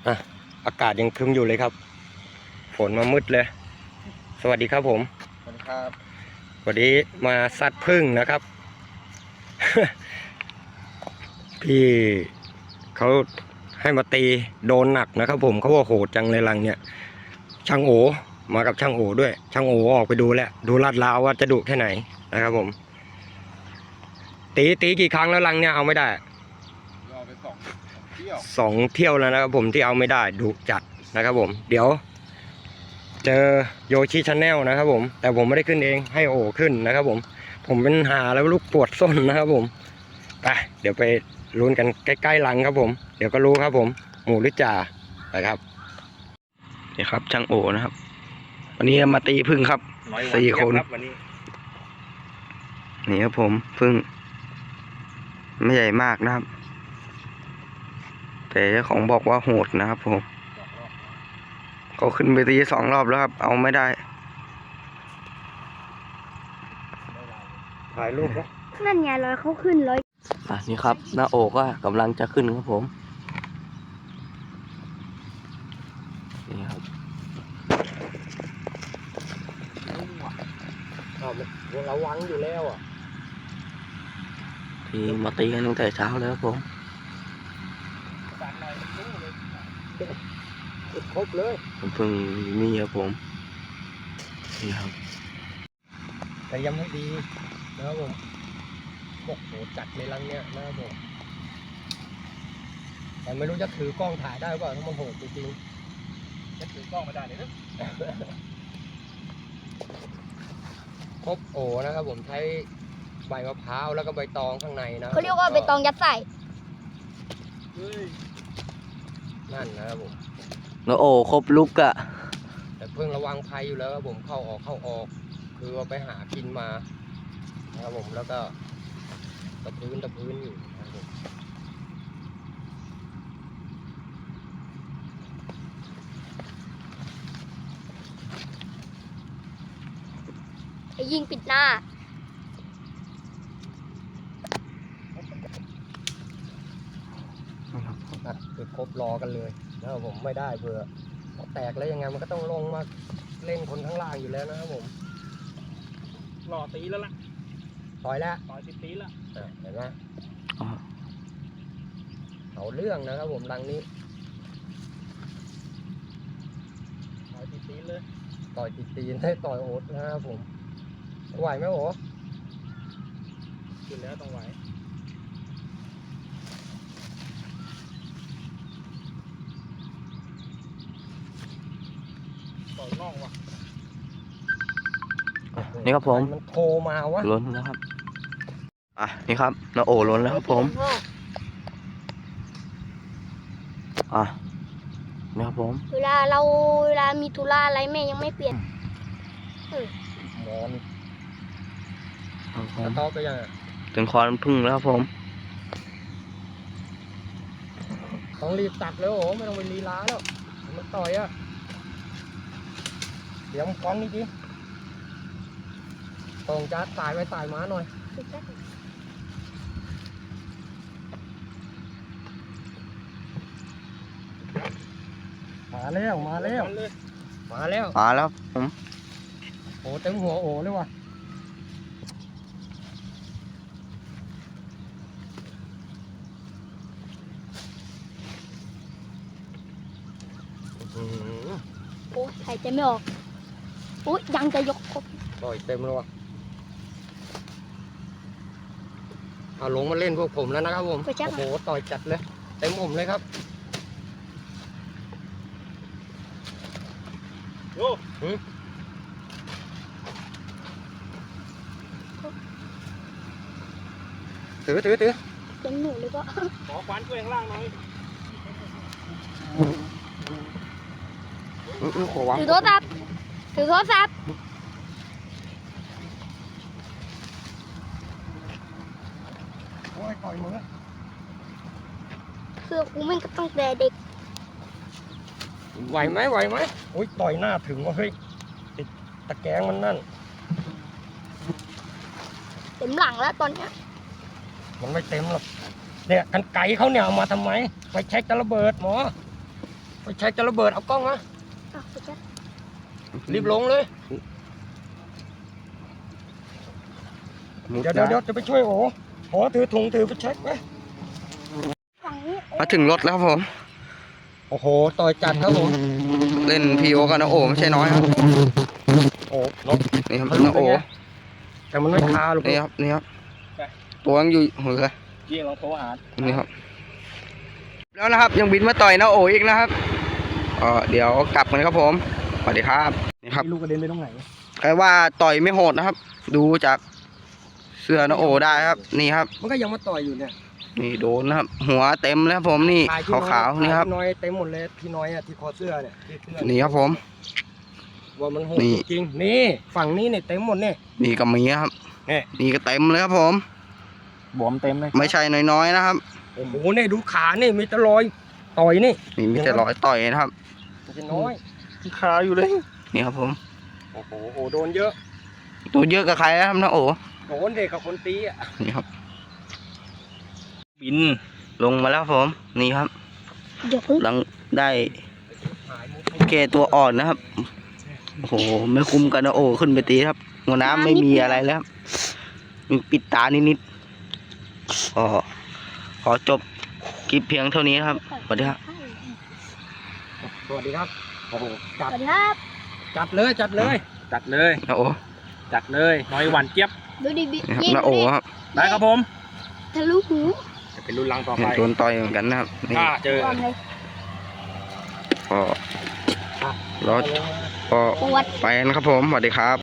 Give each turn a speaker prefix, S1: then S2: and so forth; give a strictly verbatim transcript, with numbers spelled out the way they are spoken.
S1: อ่ะอากาศยังครึ้มอยู่เลยครับฝนมามืดเลยสวัสดีครับผม
S2: สวัสดีครับ
S1: วันนี้มาซัดพึ่งนะครับ พี่เขาให้มาตีโดนหนักนะครับผมเขาว่าโหดจังเลยลังเนี่ยช่างโอมากับช่างโอด้วยช่างโอออกไปดูแล้วดูลาดราวว่าจะดุแค่ไหนนะครับผมตีตีกี่ครั้งแล้วลังเนี่ยเอาไม่ได้
S2: รอไปสองเที่ยว
S1: สองเที่ยวแล้วนะครับผมที่เอาไม่ได้ดุจัดนะครับผมเดี๋ยวเจอโยชิชาแนลนะครับผมแต่ผมไม่ได้ขึ้นเองให้โอขึ้นนะครับผมผมเป็นหาแล้วลูกปวดส้นนะครับผมไปเดี๋ยวไปลุ้นกันใกล้ๆหลังครับผมเดี๋ยวก็รู้ครับผมหมูหรือจ่านะครับนี่ครับช่างโอนะครับวันนี้มาตีพึ่งครับสี่คนนี่ครับผมพึ่งไม่ใหญ่มากนะครับแต่เจ้าของบอกว่าโหดนะครับผมเขาขึ้นไปตีสองรอบแล้วครับเอาไม่ได้ถ่ายรูปนะ
S3: นั่นไงร้อยเขาขึ้นร้อย
S1: อ่ะนี่ครับหน้าโอก็กำลังจะขึ้นครับผมนี่ครับเราระวังอยู่แล้วอ่ะที่มาตีกันตั้งแต่เช้าแล้วครับผมครบเลยผมเพิ่งมีครับผมนี่ครับแต่ยังไม่ดีนะครับผมบอกโหจัดในรังเนี้ยนะครับผมแต่ไม่รู้จะถือกล้องถ่ายได้ป่ะถ้ามันโหดจริงๆจะถือกล้องไม่ได้เลยนะครบโอนะครับผมใช้ใบมะพร้าวแล้วก็ใบตองข้างในนะ
S3: เขาเรียกว่าใบตองยัดใส่
S1: นั่นนะครับผม
S4: แล้วโอ้ครบลุกอะ
S1: แต่เพิ่งระวังภัยอยู่แล้วครับผมเข้าออกเข้าออกคือว่าไปหากินมานะครับผมแล้วก็ตะพื้นตะพื้นอยู่นะครับผม
S3: ไอ้ยิงปิดหน้า
S1: คือครบรอกันเลยนะครับผมไม่ได้เผื่อแตกแล้วยังไงมันก็ต้องลงมาเล่นคนข้างล่างอยู่แล้วนะครับผม
S2: รอตีแล้วล่ะ
S1: ต่อยแล้ว
S2: ต่อยติดตีแล้ว
S1: เห็นไหมเอาเรื่องนะครับผมรังนี้
S2: ต่อยติดตีเลย
S1: ต่อยติดตีนให้ต่อยโอ๊ตนะครับผมไหวไหมโอ๊ต
S2: ขึ้นแล้วต้องไหวต่อยน่องว่ะ
S4: นี่ครับผม
S1: มันโทรมาวะ
S4: ล้นแล้วครับอ่ะนี่ครับน้าโอล้นแล้วครับผมอ่ะนี่ครับผม
S3: เวลาเราเวลามีธุระอะไรแม่ยังไม่เปลี่ยน
S1: หมอนกระต๊อบไปยัง
S4: ถึงคอนพึ่งแล้วครับผม
S1: ต้องรีบตัดแล้วโอ้ไม่ต้องไปลีลาแล้วมันต่อยอ่ะเดี๋ยวมันคล้องนี่ดิตรงจะตายไปตายม้าหน่อยมาแล้วมาแล้วมาแล้ว
S4: มาแล้วผม
S1: โอ้เต็มหัวโอ้เลยว่ะ
S3: โอ้ยหายใจไม่ออกโอ้ยยังจะยกครบ
S1: ต่อยเต็มเลยว่ะเอาลงมาเล่นพวกผมแล้วนะครับผมโอ้โหต่อยจัดเลยเต็มผมเลยครับ
S2: โอ้
S1: ถือถือถือ
S3: เต็มหนูเลยก็
S2: ขอควันช่วยข้างล่างหน่อย
S3: ถือโทรศัพท์ถือโทรศัพท์
S1: โอ้ยต่อยมือ
S3: คือกูไม่ก็ต้องแต่เด็ก
S1: ไหวไหมไหวไหมโอ้ยต่อยหน้าถึงว่าเฮ้ยติดตะแกรงมันนั่น
S3: เต็มหลังแล้วตอนเนี้ย
S1: มันไม่เต็มหรอกเนี่ยกันไก่เขาเนี่ยเอามาทำไมไปเช็คจะระเบิดหมอไฟแช็กจะระเบิดเอากล้องมา
S3: อ่ะไปจ้ะ
S1: รีบลงเลยเดี๋ยวเดี๋ยวเดี๋ยวจะไปช่วยโอ้โอ้ถือถุงถือไฟแช็กไว้
S3: ฝั่งนี้โอ้
S4: มาถึงรถแล้วครับผม
S1: โอ้โหต่อยจัดครับผม
S4: เล่นพีโอกับนาโอไม่ใช่น้อยครับ
S1: โอ้รถ
S4: นี่ครับ
S1: ทะลุ
S4: นาโอ
S1: ไปไง แต่มันไม่คาหรอก
S4: นี่ครับนี่ครับตัวยังอยู่หัวเลย
S2: ยี่ลองโทรหา
S4: นี่ครับ แล้วนะครับยังบินมาต่อยนาโออีกนะครับเออเดี๋ยวกลับกันครับผมสวัสดีครับนี่ครับ
S2: ลูกกระเด็นไปตรงไหน
S4: ใครว่าต่อยไม่โหดนะครับ ดูจากเสื้อนาโอได้ครับ นี่ครับ
S1: มันก็ยังมาต่อยอยู่เนี่ย
S4: นี่โดนนะครับ หัวเต็มแล้วครับผมนี่
S1: ถ่ยที่
S4: ขาวๆนี่ครับ
S1: ถ่ยที่น้อยเต็มหมดเลยที่น้อยอะที่คอเสื้อเนี่ยที่เสื้อ
S4: นี่ครับผม
S1: ว่ามันโหด
S4: นี่
S1: จริงๆนี่ฝั่งนี้เนี่ยเต็มหมดเนี่ย
S4: นี่ก็มีครับ
S1: นี่
S4: นี่ก็เต็มเลยครับผม
S2: บวมเต็มเลย
S4: ไม่ใช่น้อยๆนะครับ
S1: โอ้โหนี่ดูขานี่มีแต่รอยต่อยนี่
S4: นี่มีแต่รอยต่อยนะครับ
S1: มันจะน้อย
S2: คาอยู่เลย
S4: นี่ครับผม
S1: โอ้โหโอ้โดนเยอะ
S4: ตัวเยอะกับใครนะครับนาโอ
S1: โดนเด็กกับคนตีอ่ะ
S4: นี่ครับ
S2: บิน
S4: ลงมาแล้วครับผมนี่ครับ
S3: เดี๋ยวพึ่ง
S4: หลังได้
S1: หายมุก
S4: เกตัวอ่อนนะครับโอ้โหไม่คุ้มกันนาโอขึ้นไปตีครับหัวน้ำไม่มีอะไรแล้วครับมีปิดตานิดๆก็ขอจบคลิปเพียงเท่านี้ครับสวัสดีครับ
S1: สวัสดีครับโอ้โห
S3: ส
S1: จัด
S3: วัสดีครับ
S1: จัดเลยจัดเลย
S2: จัดเลย
S4: นาโอ
S2: จัดเลยน้อยหวานเจี๊ยบ
S3: ดูดิบิ
S4: นี่ครับ
S3: ยิง
S4: นาโอ
S3: ดูดิ
S4: ครับ
S2: ได้ครับผม
S3: ทะลุหู
S1: จะเป็นรุ่นลังต่อ
S4: เห็
S1: ไป
S4: นโดนต่อยเหมือนกันนะครับนี่
S2: ถ้าเจอ
S3: วางเลย
S4: ก็รอก็
S3: ปวด
S4: ไปนะครับผมสวัสดีครับ